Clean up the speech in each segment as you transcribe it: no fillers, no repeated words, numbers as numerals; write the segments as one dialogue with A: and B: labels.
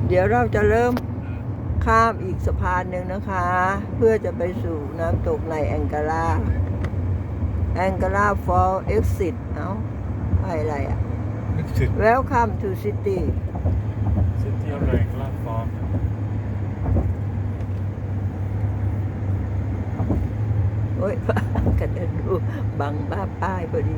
A: เดี๋ยวเราจะเริ่มข้ามอีกสะพานหนึ่งนะคะ เพื่อจะไปสู่น้ำตกในแองการาฟอลเอ็กซิสอะไรอ่ะ Welcome to City
B: อะไรกล้าฟอร์ม
A: โอ้ย กระเด็นดูบังบ้าป้ายพอดี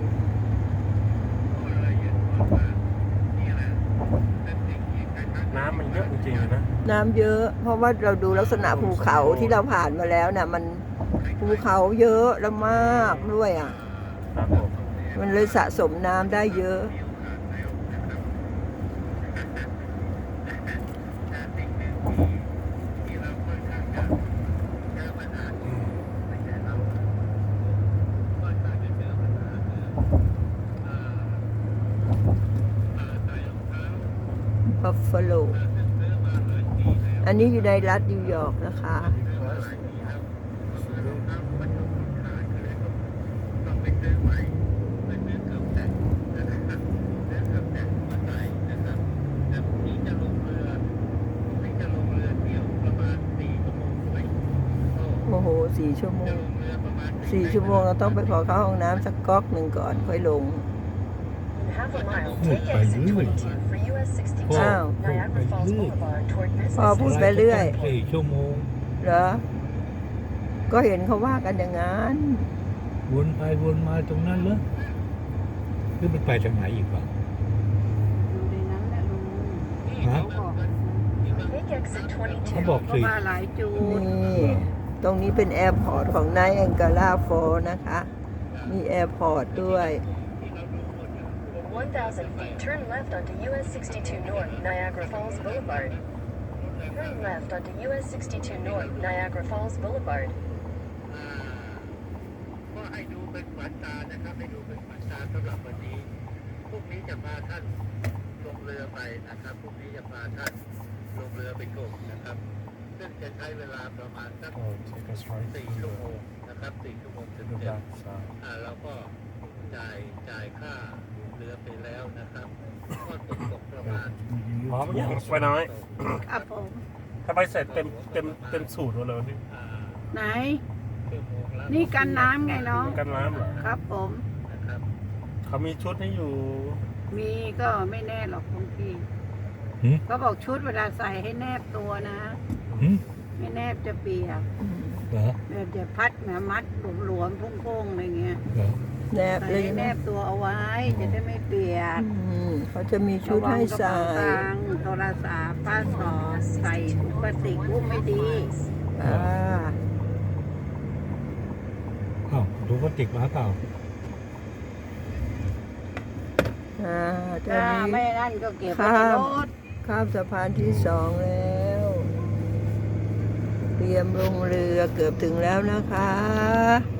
B: น้ำมันเยอะจริงๆเลยนะ
A: น้ำเยอะ เพราะว่าเราดูลักษณะภูเขาที่เราผ่านมาแล้วน่ะมันภูเขาเยอะแล้วมากด้วยอ่ะ
B: ครับผม
A: มันเลยสะสมน้ำได้เยอะบัฟฟาโลอันนี้อยู่ในรัฐนิวยอร์กนะคะ โอ้โห4 ชั่วโมงเราต้องไปขอเข้าห้องน้ำสักก๊อกหนึ่งก่อนค่อยลง อ้าวพอพูดไปเรื่อย
C: 4 ชั่วโมง
A: เหรอ ก็เห็นเขาว่ากันอย่างนั้น
C: วนไปวนมาตรงนั้นเหรอหรือมันไปทางไหนอีกวะ
D: อยู่ในนั้นแหละลุง
C: ฮะ เขาบอก
D: เพ
C: สิ
D: ราะว่าหลายจุด
A: นี่ตรงนี้เป็นแอร์พอร์ตของไนท์แองการาฟอลนะคะ มีแอร์พอร์ตด้วย
E: 1,000 feet, turn left onto US 62 North, Niagara Falls Boulevard. Turn left onto US 62 North, Niagara Falls Boulevard.
F: ก็ให้ดูเป็นขวัญตานะครับให้ดูเป็นขวัญตาสำหรับวันนี้พรุ่งนี้จะพาท่านลงเรือไปนะครับพรุ่งนี้จะพาท่านลงเรือไปชมนะครับซึ่งจะใช้เวลาประมาณสัก
B: โอ้ take us right
F: 4 ชั่วโมงนะครับ4 ชั่วโมงเต็
B: to the
F: ม
B: back side
F: ๆเราก็จ่ายค่าเรือไปแล้วนะครับก็ตกประมาณ
B: พร้อมยังไปน้อย
D: ครับผม
B: ถ้าไปเสร็จเต็มสูตรหมดเลยนี่
D: ไหน
F: ชั่วโมงละ
D: นี่กันน้ำไงน้อง
B: กันน้ำเหรอ
D: ครับผม
F: นะครับ
B: เขามีชุดให้อยู่
D: มีก็ไม่แน่หรอกบางที
C: หืม
D: ก็บอกชุดเวลาใส่ให้แนบตัวนะ
C: หืม
D: ไม่แนบจะเปียก
C: เหรอ
D: แบบจะพัดนะมัดหลวมๆโค้งๆอะไรเงี้ย
C: เหรอ
A: แนบ
D: ใส่
A: เลย
D: ให้แน
A: นะ
D: บตัวเอาไว้จะได้ไม่เปียก
A: เขาจะมีชุดให้ใส่
D: ระวังกระเป๋าตังค์โทรศัพท์พาสปอร์ตใส่ถุงพลาสติกอุ้มไม่ดี
A: อ่า
C: อ้าวดูว่าติดมาเปล่า
A: ตอน
D: ถ้า
A: นี้
D: ไม่นั่นก็เก็บไว้ในรถ
A: ข้ามสะพานที่2แล้ว เตรียมลงเรือเกือบถึงแล้วนะคะ